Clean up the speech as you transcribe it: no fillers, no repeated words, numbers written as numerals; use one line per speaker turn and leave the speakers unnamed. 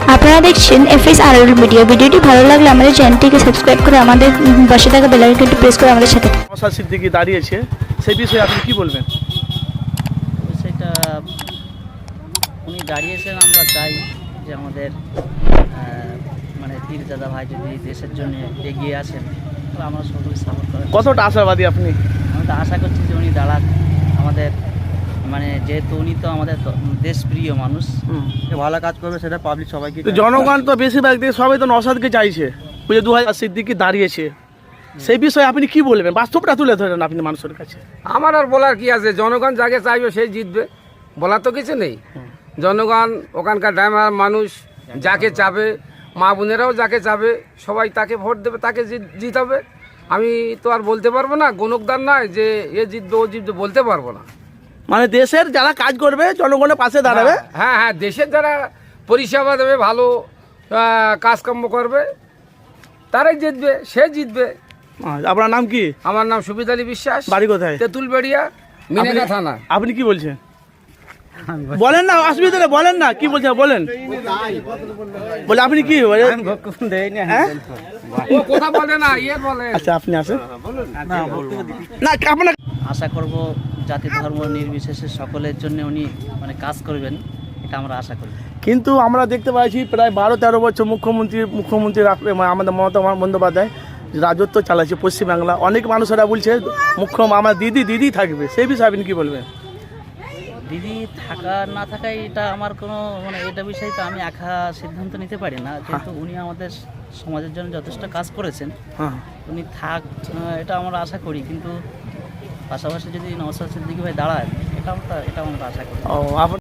আপনারা দেখছেন FSRL media. ভিডিওটি ভালো লাগলে আমাদের চ্যানেলটিকে সাবস্ক্রাইব করে আমাদের পাশে থাকা বেল আইকনটি প্রেস করে আমাদের সাথে থাকুন।
নওশাদ সিদ্দিকী দাঁড়িয়েছে, সেই বিষয়ে আপনি কি বলবেন?
সেটা উনি দাঁড়িয়েছেন, আমরা চাই যে আমাদের মানে পীরজাদা ভাই যদি দেশের জন্য এগিয়ে আসেন তাহলে আমরা সকলে সাপোর্ট করেন।
কতটা আশাবাদী আপনি?
আমি তো আশা করছি যে উনি দাঁড়ান আমাদের, মানে যেহেতু উনি তো আমাদের দেশপ্রিয় মানুষ,
ভালো কাজ করবে সেটা পাবলিক সবাইকে।
তো জনগণ তো বেশিরভাগ দিয়ে সবাই তো নওশাদকে চাইছে, বুঝে 2000 সিদ্দিকী দাঁড়িয়েছে, সেই বিষয়ে আপনি কি বলবেন? বাস্তবটা তুলে ধরেন আপনি মানুষের কাছে।
আমার আর বলার কি আছে, জনগণ যাকে চাইবে সেই জিতবে, বলার তো কিছু নেই। জনগণ ওখানকার ড্রাইভার মানুষ যাকে চাবে, মা বোনেরাও যাকে চাবে, সবাই তাকে ভোট দেবে, তাকে জিতাবে। আমি তো আর বলতে পারবো না, গণকদার নয় যে এ জিতবে ও জিতবে, বলতে পারবো না।
মানে দেশের যারা কাজ করবে জনগণের পাশে দাঁড়াবে।
হ্যাঁ হ্যাঁ, দেশের যারা পরিষেবা দেবে, ভালো কাজকর্ম করবে, তারাই জিতবে, সে জিতবে।
আপনার নাম কি?
আমার নাম সুবিদ আলী বিশ্বাস,
বাড়ি কোথায়?
তেঁতুলবেড়িয়া, মিনেগা থানা।
আপনি কি বলছেন? বলেন না, অসুবিধা নেই, বলেন না কি বলছেন, বলেন। বলে আপনি কি বলেন? হ্যাঁ?
ও কথা বলে না, ইয়ে বলে।
আচ্ছা আপনি আসেন না, আপনার
আশা করব জাতি ধর্ম নির্বিশেষে সকলের জন্য উনি মানে কাজ করবেন, এটা আমরা আশা করি।
কিন্তু আমরা দেখতে পাচ্ছি প্রায় 12-13 বছর মুখ্যমন্ত্রী আমাদের মমতা বন্দ্যোপাধ্যায় রাজত্ব চালাচ্ছে পশ্চিমবাংলা। অনেক মানুষেরা বলছে আমার দিদি থাকবে, সেই বিষয়ে আপনি কি বলবেন?
দিদি থাকা না থাকাই এটা আমার কোনো মানে এটা বিষয়ে তো আমি একা সিদ্ধান্ত নিতে পারি না, যেহেতু উনি আমাদের সমাজের জন্য যথেষ্ট কাজ করেছেন।
হ্যাঁ,
উনি থাক এটা আমরা আশা করি, কিন্তু পাশাপাশি যদি নওশাদ সিদ্দিকী ভাই দাঁড়ায় এটা আমরা আশা করি।
ও